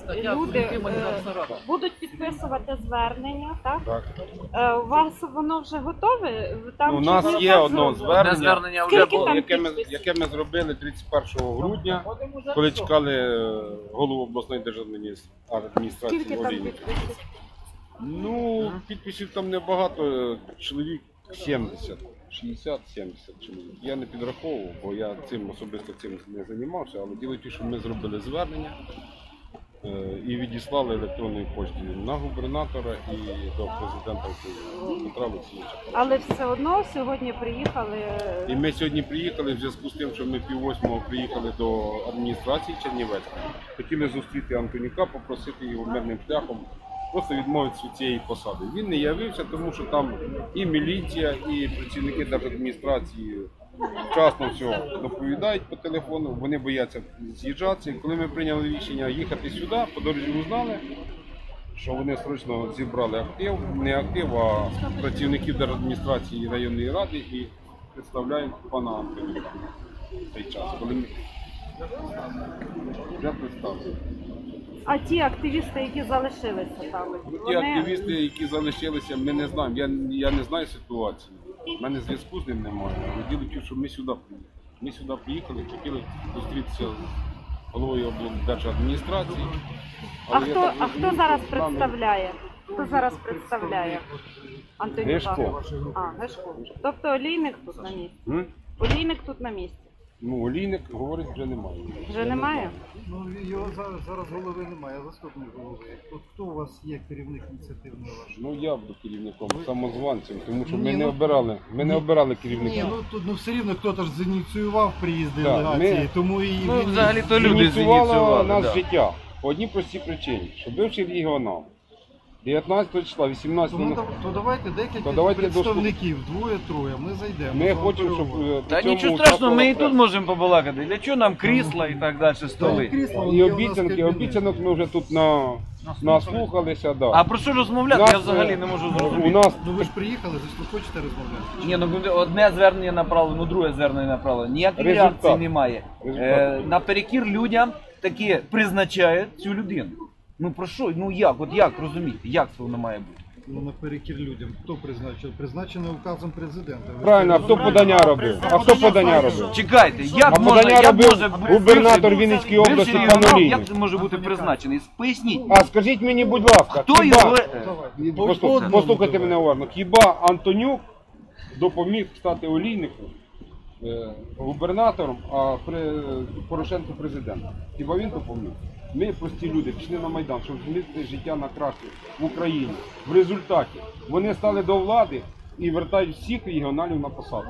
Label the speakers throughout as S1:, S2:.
S1: люди будуть підписувати звернення, так?
S2: Так.
S1: У вас воно вже готове? Там
S2: У нас є одне звернення,
S1: вже
S2: яке ми зробили 31 грудня, коли чекали голову обласної державної адміністрації.
S1: Скільки там підписів?
S2: Ну, підписів там небагато, чоловік 70, 60-70 чоловік. Я не підраховував, бо я особисто цим не займався, але діло в тому, що ми зробили звернення і відіслали електронною поштою на губернатора і до президента України Петра Олексійовича.
S1: Але все одно сьогодні приїхали.
S2: І ми сьогодні приїхали в зв'язку з тим, що ми 7:30 приїхали до адміністрації Чернівецької. Хотіли зустріти Антонюка, попросити його мирним шляхом просто відмовитися від цієї посади. Він не явився, тому що там і міліція, і працівники держадміністрації вчасно все доповідають по телефону, вони бояться з'їжджатися. І коли ми прийняли рішення їхати сюди, по дорозі узнали, що вони срочно зібрали актив, не актив, а працівників держадміністрації і районної ради і представляють пана Антонюка в цей час, коли ми вже представили.
S1: А ті активісти, які залишилися там?
S2: Ті активісти, які залишилися, ми не знаємо. Я не знаю ситуації. У мене зв'язку з ним немає. Але діло в тому, що ми сюди приїхали. Ми сюди приїхали, хотіли зустрітися з головою облдержадміністрації.
S1: А хто зараз представляє? Хто зараз представляє Антонюка?
S2: Гешко.
S1: Гешко. Тобто Олійник тут на місці? Олійник тут на місці?
S2: Ну, Олійник, говорить, вже немає.
S1: Вже немає?
S3: Ну, його зараз голови немає, заступник голови. Хто у вас є керівник ініціативної вашої?
S2: Ну, я буду керівником, самозванцем, тому що ми не обирали керівника.
S3: Ні, ну все рівно хтось ж зініціював приїзд делегації, тому і
S4: Ну, взагалі-то люди
S2: Ініціювало
S4: зініціювали.
S2: нас життя. По одній простій причині, що бивший регіонал 19 числа, 18
S3: то давайте декілька представників, двоє-троє, ми зайдемо.
S2: Ми хочемо, щоб
S4: Та нічого страшного, ми і тут можемо побалакати. Для чого нам крісла і так далі, столи?
S2: І обіцянок ми вже тут наслухалися. Да.
S4: А про що розмовляти, я взагалі не можу
S2: У
S4: зрозуміти.
S2: нас
S3: Ну ви ж приїхали, ви хочете розмовляти?
S4: Ні, ну одне звернення направлено, друге звернення направлено. Ніякої
S2: Результат.
S4: реакції немає. Наперекір людям таки призначають цю людину. Ну про що? Ну як? От як розуміти? Як це воно має бути?
S3: Ну наперекір людям. Хто призначив? Призначено указом президента.
S2: правильно, а хто подання робив?
S4: Чекайте, як
S2: подання робив
S4: може
S2: губернатор Вінницької області
S4: бивший
S2: пан
S4: регіонал,
S2: Олійник.
S4: як це може бути призначений? Поясніть.
S2: А скажіть мені, будь ласка,
S4: Хто його?
S2: послухайте мене уважно, хіба Антонюк допоміг стати Олійнику губернатором, а Порошенко президентом? Хіба він допоміг? Ми, прості люди, пішли на Майдан, щоб змінити життя на краще в Україні. В результаті вони стали до влади і вертають всіх регіоналів на посаду.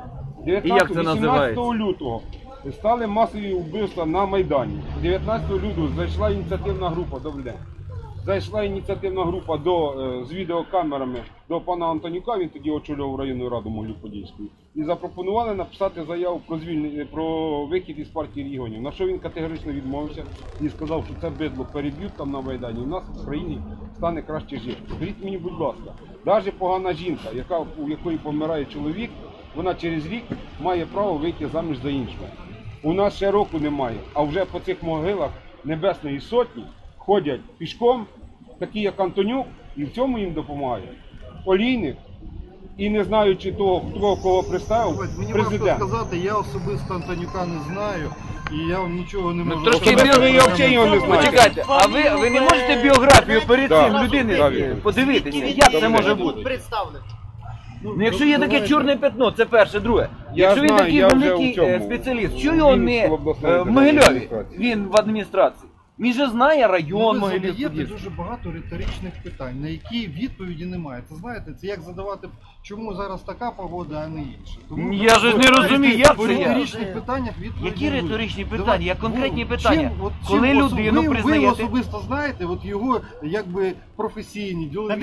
S2: 18 лютого стали масові вбивства на Майдані. 19 лютого зайшла ініціативна група, добрий день, зайшла ініціативна група з відеокамерами до пана Антонюка, він тоді очолював районну раду Могилів-Подільської, і запропонували написати заяву про вихід із партії регіонів. На що він категорично відмовився і сказав, що це бидло переб'ють там на Майдані, і в нас в країні стане краще жити. Скажіть мені, будь ласка, навіть погана жінка, у якої помирає чоловік, вона через рік має право вийти заміж за іншого. У нас ще року немає, а вже по цих могилах Небесної Сотні ходять пішком, такі як Антонюк, і в цьому їм допомагає Олійник, і не знаючи того, хто кого представив,
S3: Мені
S2: президент.
S3: важко сказати, я особисто Антонюка не знаю, і я вам нічого не можу
S4: трошки
S3: сказати.
S2: Я взагалі його не знаю.
S4: Почекайте, а ви не можете біографію перед цим людини подивитися? Як це може бути? Ну, якщо є таке чорне пятно, це перше, друге. Якщо він такий великий спеціаліст, чого його не в Могилеві? Він в адміністрації. Він же знає район
S3: Ви задаєте
S4: Могилів-Подільський.
S3: дуже багато риторичних питань, на які відповіді немає. Це знаєте, це як задавати, чому зараз така погода, а не інша. Тому
S4: Я ж не розумію, як
S3: по
S4: це я?
S3: риторичних питаннях відповіді
S4: Які
S3: будуть.
S4: риторичні питання?
S3: Давай,
S4: Є конкретні
S3: ну,
S4: питання.
S3: чим
S4: Коли людину
S3: ви
S4: признаєте...
S3: особисто знаєте, от його якби професійні, ділові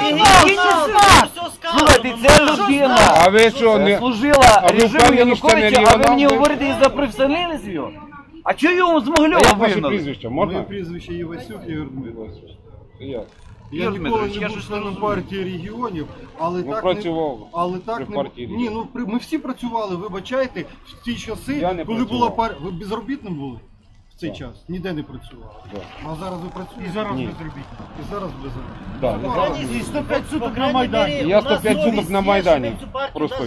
S4: Слухайте, це людина
S2: А ви що, не...
S4: служила
S2: А ви
S4: режиму
S2: впевнені, що не
S4: Януковича, а ви мені
S2: регіонал?
S4: говорите із-за професіоналізму його? А чого його з
S2: А
S4: Могилева
S2: як ваше
S4: вигнали?
S2: прізвище,
S3: Моє
S2: можна?
S3: прізвище Івасюк Ігор Дмитрович.
S2: Я.
S3: Я
S4: Ігор
S3: ніколи
S4: Дмитрович,
S3: не
S4: я
S3: був
S4: щось не
S3: членом
S4: розумію.
S3: партії регіонів, але
S2: Ну,
S3: так
S2: працював
S3: не, але так
S2: при
S3: не
S2: партії
S3: ні,
S2: регіонів.
S3: ну ми всі працювали, вибачайте, в ті часи,
S2: Я не
S3: коли
S2: працював.
S3: була партія. Ви безробітним були? В в цей час? Ніде не працювали.
S2: Да.
S3: А зараз ви працюєте?
S5: І зараз
S2: Ні.
S5: безробітні.
S3: І зараз безробітні.
S2: Да,
S3: Ну,
S2: зараз.
S5: І 105 суток на Майдані.
S2: Я 105 суток на Майдані просто.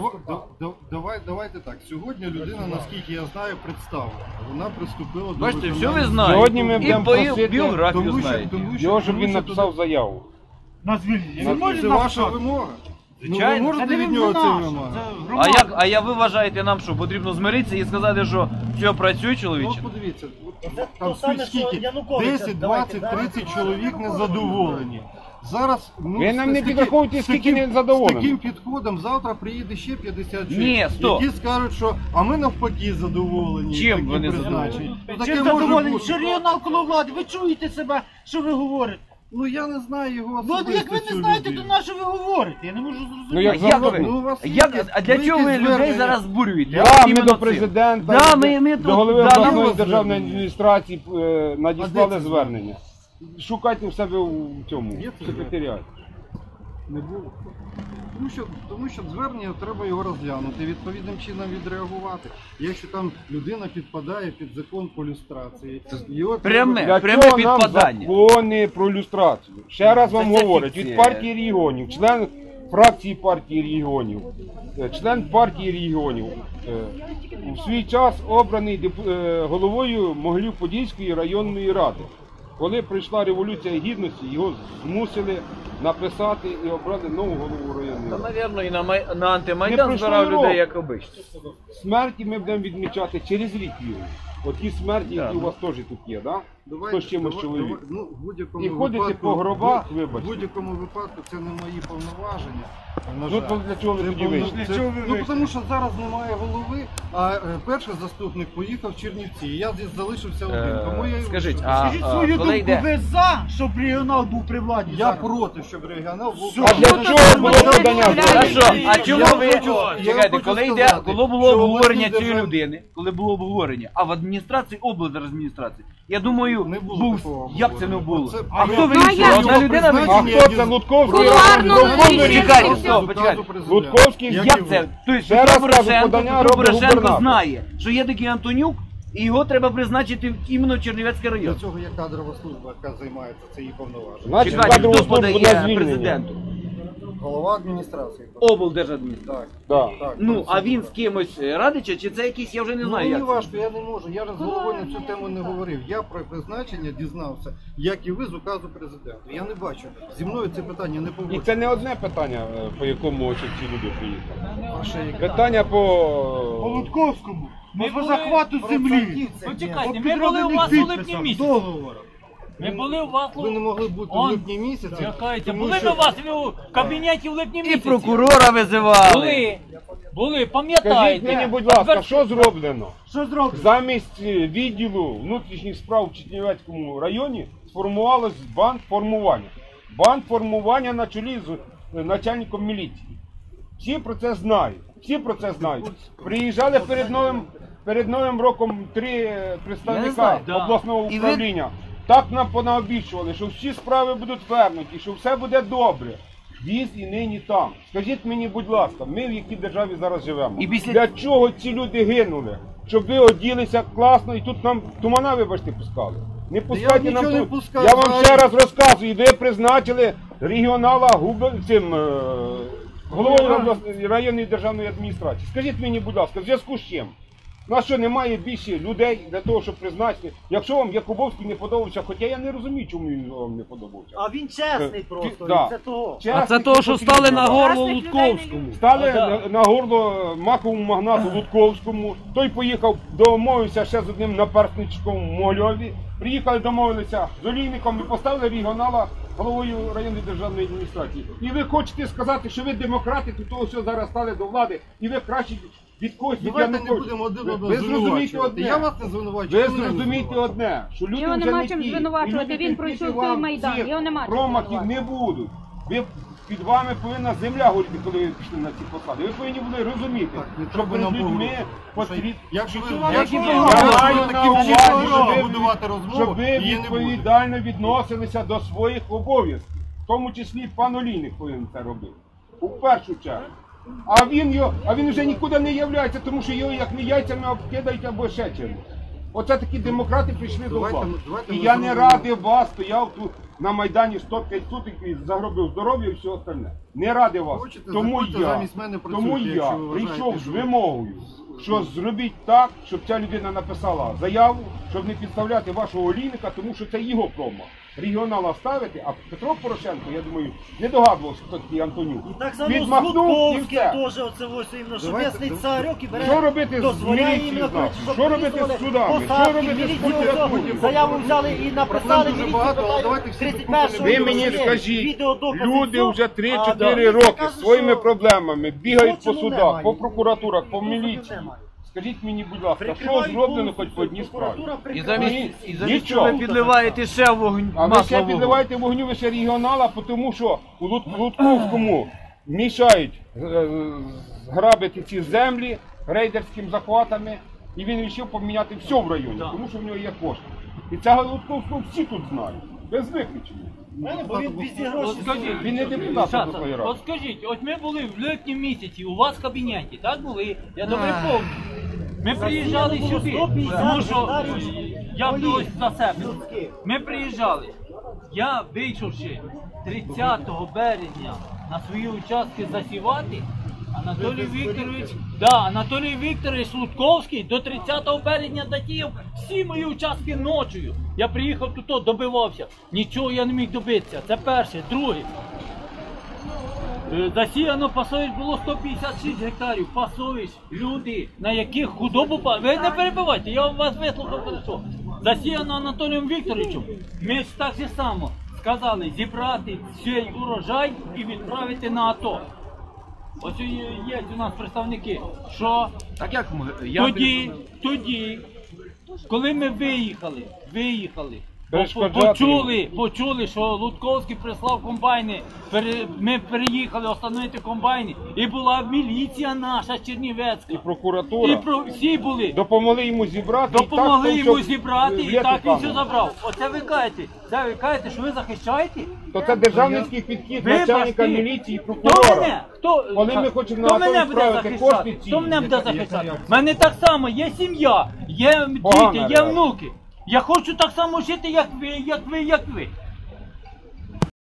S3: Давайте так. Сьогодні людина, наскільки я знаю, представлена. Вона приступила до
S4: Бачите, все
S3: виконання-
S4: ви знаєте.
S2: Сьогодні ми
S4: І
S2: будемо
S4: по
S2: просити,
S4: біографію знаєте.
S2: Його, щоб він написав заяву.
S5: На звільнення.
S3: Це,
S5: Не може
S3: це
S5: нас
S3: ваша
S5: так.
S3: вимога?
S4: Звичайно.
S3: Ну, ви можете від нього це вимагати?
S4: А як ви вважаєте нам, що потрібно змиритися і сказати, що все працює,
S3: Ну,
S4: чоловіче?
S3: подивіться,
S6: Це
S3: там
S6: то саме,
S3: скільки?
S6: що Януковича.
S3: 10,
S6: Давайте,
S3: 20, 30 чоловік незадоволені. Зараз, ну,
S2: Ви нам не
S3: з таким-
S2: підраховуйте,
S3: з
S2: скільки
S3: таким-
S2: незадоволених.
S3: З таким підходом завтра приїде ще 50 чоловік,
S4: Ні, стоп.
S3: які скажуть, що а ми навпаки задоволені.
S4: Чим
S3: таким
S4: вони
S3: призначенням.
S4: задоволені?
S3: Ну, таке
S5: Чим
S3: може
S5: задоволені?
S3: бути.
S5: Що регіонал коло влади? Ви чуєте себе, що ви говорите?
S3: Ну я не знаю його
S5: Ну,
S3: особисто.
S5: як ви
S3: цю
S5: не знаєте,
S3: людину.
S5: то на що ви говорите? Я не можу зрозуміти.
S2: Ну, як
S4: А як
S2: завгодно.
S4: ви?
S3: Ну, у вас є
S4: А для
S3: якісь
S4: чого ви людей
S3: звернення?
S4: зараз збурюєте?
S2: Да,
S4: От
S2: ми
S4: іменно
S2: до
S4: цим.
S2: президента,
S4: Да, ми
S2: до
S4: тут,
S2: голови
S4: да,
S2: обласної
S3: нам-
S2: державної адміністрації надіслали
S3: це
S2: звернення. Шукайте в себе у цьому
S3: Є це
S2: секретаріаті.
S3: Не було. Тому що звернення треба його розглянути, відповідним чином відреагувати. Якщо там людина підпадає під закон по люстрації, його
S4: Пряме.
S2: Для
S4: Пряме
S2: чого нам
S4: підпадання.
S2: закони про люстрацію? Ще раз вам
S4: Це
S2: говорять,
S4: фікція.
S2: від партії регіонів, член фракції партії регіонів, член партії регіонів, у свій час обраний головою Могилів-Подільської районної ради. Коли прийшла Революція Гідності, його змусили написати і обрали нову голову районної
S4: Та,
S2: ради.
S4: навірно, і на
S2: Не
S4: антимайдан
S2: пройшло
S4: збирав
S2: року.
S4: людей, як обично.
S2: Смерті ми будемо відмічати через рік віру. Оті смерті, які
S4: Да.
S2: у вас теж тут є, да? Хто з чимось чоловік.
S3: Ну, в будь-якому
S2: І ходите
S3: випадку,
S2: по гробах,
S3: в
S2: вибачте.
S3: будь-якому випадку це не мої повноваження. На
S2: Ну,
S3: жаль.
S2: то для чого ви
S3: Це
S2: тоді
S3: повно-
S2: вийшли?
S3: це- Ну, тому що зараз немає голови, а перший заступник поїхав в Чернівці. І я здесь залишився один. Тому я і
S4: скажіть,
S3: вийшов.
S4: а
S5: Скажіть свою
S4: коли
S5: думку,
S4: йде?
S5: ви за, щоб регіонал був при владі?
S3: Я
S5: зараз?
S3: проти, щоб регіонал був.
S2: А для чого було подання?
S4: Хорошо, а чому
S3: Я
S4: ви
S3: хочу
S4: чекайте, коли
S3: сказати,
S4: було
S3: що
S4: обговорення
S3: обласні
S4: цієї
S3: держав-
S4: людини, коли було обговорення, а в адміністрації, облдержадміністрації, я думаю,
S3: Не було
S4: був
S3: такого
S4: як це не було?
S3: Це-
S4: А
S3: А
S4: хто
S3: я-
S4: вирішує?
S1: я-
S4: Одна людина
S2: А
S4: вирішує?
S2: хто це Лутковський?
S1: Кулуарно рішення.
S4: Чекайте, стоп, почекайте.
S2: Лутковський
S4: Як це? Тобто
S2: Ще раз
S4: Петро
S2: кажу,
S4: Порошенко,
S2: подання
S4: Петро
S2: робить
S4: Порошенко
S2: губернатор.
S4: знає, що є такий Антонюк, і його треба призначити іменно в Чернівецький
S3: Для
S4: район.
S3: цього є кадрова служба, яка займається, це її повноваження.
S2: Значить,
S4: Чекайте,
S2: кадрову
S4: хто
S2: службу на
S4: подає
S2: звільнення.
S4: президенту?
S3: Голова адміністрації.
S4: Облдержадміністрації.
S2: Да.
S3: Так,
S4: Ну,
S3: так,
S4: а
S3: це
S4: він
S3: так.
S4: з кимось радича, чи це якийсь, я вже не
S3: Ну,
S4: знаю,
S3: мені
S4: як це.
S3: важко, я не можу. Я ж з головою на цю тему не говорив. Я про призначення дізнався, як і ви з указу президента. Я не бачу. Зі мною це питання не
S2: І
S3: погоджується.
S2: це не одне питання, по якому ось ці люди приїхали.
S3: А ще яке?
S2: Питання
S5: По
S2: по...
S5: Лутковському.
S6: Ми
S5: По
S6: були
S5: захвату землі.
S6: Почекайте,
S5: По
S6: ми були у вас у
S5: підроблених
S6: липні
S5: підписах,
S6: місяці.
S5: договорах.
S6: Ми були у вас
S3: Ви не могли бути в
S6: Он,
S3: липні місяці.
S6: Чекайте,
S3: тому
S6: були
S3: що-
S6: ми у вас у кабінеті в липні
S4: І
S6: місяці.
S4: прокурора визивали.
S6: Були,
S2: Скажіть
S6: пам'ятаєте.
S2: мені, будь ласка, що зроблено?
S5: Що зробили?
S2: Замість відділу внутрішніх справ в Чернівецькому районі сформувалось бандформування. Бандформування на чолі з начальником міліції. Всі про це знають. Всі про це знають. Приїжджали перед Новим роком 3
S4: Я не
S2: представника
S4: знаю, да.
S2: обласного
S4: І ви-
S2: управління. Так нам понаобіцювали, що всі справи будуть вернуті, що все буде добре. Віз і нині там. Скажіть мені, будь ласка, ми в якій державі зараз живемо?
S4: І після-
S2: Для чого ці люди гинули? Щоб ви оділися класно і тут нам тумана, вибачте, пускали. Не пускайте
S3: нічого
S2: нам
S3: не
S2: тут.
S3: пускаю,
S2: Я вам
S3: взагалі.
S2: ще раз розказую, ви призначили регіонала головою районної державної адміністрації. Скажіть мені, будь ласка, в зв'язку з чим? У нас що, немає більше людей для того, щоб призначити? Якщо вам Якубовський не подобався, хоча я не розумію, чому він вам не подобався.
S6: А він чесний просто,
S2: Да.
S6: це того.
S4: А це того, що стали на горло
S1: Красних людей не
S4: Лутковському.
S2: Стали
S6: Да.
S2: на горло маковому магнату Лутковському. Той поїхав, домовився ще з одним наперсничком в Могильові. Приїхали, домовилися з олійником і поставили регіонала головою районної державної адміністрації. І ви хочете сказати, що ви демократи, тут того все зараз стали до влади, і ви краще від когось від
S3: Давайте не
S2: Януковича.
S3: будемо один одного
S2: Ви зрозумієте
S3: звинувачувати.
S2: одне.
S3: Я вас не звинувачую.
S2: Ви
S3: ви мене
S2: зрозумієте
S3: звинувачуєте.
S2: одне, що люди
S1: Його
S2: вже
S1: нема
S2: не
S1: чим
S2: ті.
S1: звинувачувати,
S2: І люди
S1: він
S2: терпіти
S1: пройшов
S2: вам
S1: той Майдан,
S2: цих
S1: його нема чим
S2: промахів не
S1: звинувачувати.
S2: будуть. Ви під вами повинна земля горіти, коли ви пішли на ці посади. Ви повинні були розуміти,
S3: Так, не
S2: що
S3: треба
S2: перед
S3: нам
S2: людьми
S3: погрожувати.
S2: потрібно.
S3: Якщо ви
S2: Я
S3: якщо ви
S2: маю
S3: таким
S2: на увазі,
S3: чином
S2: щоб ви-
S3: будувати розмову,
S2: щоб ви
S3: її не буде.
S2: відповідально відносилися до своїх обов'язків. В тому числі пан Олійник повинен це робити. У першу чергу. А він вже нікуди не являється, тому що його як не яйцями обкидають або ще чимось. Оце такі демократи прийшли до
S3: Давайте
S2: влади.
S3: ми- давайте
S2: І
S3: ми
S2: я не
S3: зробимо.
S2: радий вас, стояв тут на Майдані 105 суток і загробив здоров'я і все остальне. Не радий вас.
S3: Хочете,
S2: Тому
S3: заходьте
S2: я,
S3: замість мене
S2: тому
S3: працюйте,
S2: я
S3: якщо ви вважаєте,
S2: прийшов з
S3: що-
S2: вимогою, що зробіть так, щоб ця людина написала заяву, щоб не підставляти вашого олійника, тому що це його промах. Регіонала ставити, а Петро Порошенко, я думаю, не догадувався, хто такий Антонюк.
S7: І так само з
S2: Відмахнув і
S7: Гудковським
S2: все.
S7: теж оце ось іменно, що
S3: Давайте,
S7: місний
S3: давайте.
S7: царьок і бере,
S2: Що робити з
S7: дозволяє
S2: міліцією
S7: іменно,
S2: з нас?
S7: щоб
S2: Що робити з
S7: підписували
S2: судами? Що
S7: посадки,
S2: робити з
S7: міліцію
S2: прокуратурою?
S7: оцього, заяву взяли і написали,
S3: Проблем дуже
S7: міліцію
S3: багато, але
S7: питає,
S3: давайте всі
S7: 31-го
S2: Ви мені
S7: є
S2: скажіть,
S7: відеодокази,
S2: люди
S7: все,
S2: вже
S7: а
S2: 3-4
S7: міліція
S2: роки
S7: каже,
S2: своїми
S7: що
S2: проблемами бігають по
S7: злочину
S2: судах,
S7: немає.
S2: по прокуратурах, по
S7: Злочину
S2: міліції.
S7: немає.
S2: Скажіть мені, будь ласка, що
S7: Прикривають
S2: зроблено хоч
S7: повністю,
S2: по одній справі?
S7: прокуратура
S4: І
S7: прикриває.
S4: замість чого ви
S2: Нічого.
S4: підливаєте ще вогонь,
S2: А ви
S4: масло
S2: ще
S4: в вогонь.
S2: підливаєте вогню, ви ще регіонала, тому що у Лутковському мішають грабити ці землі рейдерськими захватами, і він вирішив поміняти все в районі, тому що в нього є кошти. І цього Лутковського всі тут знають, без виключення.
S7: Бо він пізді гроші.
S6: От скажіть,
S2: Він не депутат
S6: Саша,
S2: обласної ради.
S6: от скажіть, от ми були в липні місяці, у вас в кабінеті, так були? Я добре пам'ятаю. Ми приїжджали
S7: було
S6: сюди,
S7: 150
S6: тому що
S7: гектарів
S6: я
S7: полів
S6: ось за себе.
S7: людських.
S6: Ми приїжджали. Я вийшовши 30 березня на свої участки засівати, Анатолій Вікторович Лутковський до 30 березня затіяв всі мої участки ночою. Я приїхав тут, добивався. Нічого я не міг добитися. Це перше. Друге. Засіяно пасовищ було 156 гектарів. Пасовищ, люди, на яких худобу ви не перебивайте, я вас вислухав хорошо. Засіяно Анатолієм Вікторовичем. Ми ж так же само сказали зібрати цей урожай і відправити на АТО. Ось є у нас представники, що
S4: Так як ми?
S6: тоді, коли ми виїхали,
S2: Перешкоджати
S6: почули, що Лутковський прислав комбайни, ми переїхали встановити комбайни, і була міліція наша Чернівецька.
S2: І прокуратура
S6: Всі були.
S2: допомогли йому зібрати.
S6: Допомогли
S2: і так,
S6: йому
S2: щоб
S6: зібрати,
S2: в
S6: і так він все
S2: літу
S6: забрав. Оце ви кажете, що ви захищаєте?
S2: То це державницький підхід
S6: Вибачте.
S2: начальника міліції і
S6: Хто
S2: прокурора.
S6: мене?
S2: Коли ми хочемо
S6: Хто
S2: на
S6: мене
S2: АТО
S6: буде
S2: відправити
S6: захищати?
S2: кошти ці.
S6: Хто мене буде захищати? У мене так само є сім'я, є
S2: Погана
S6: діти, є
S2: реакція.
S6: внуки. Я хочу так само жити, як ви.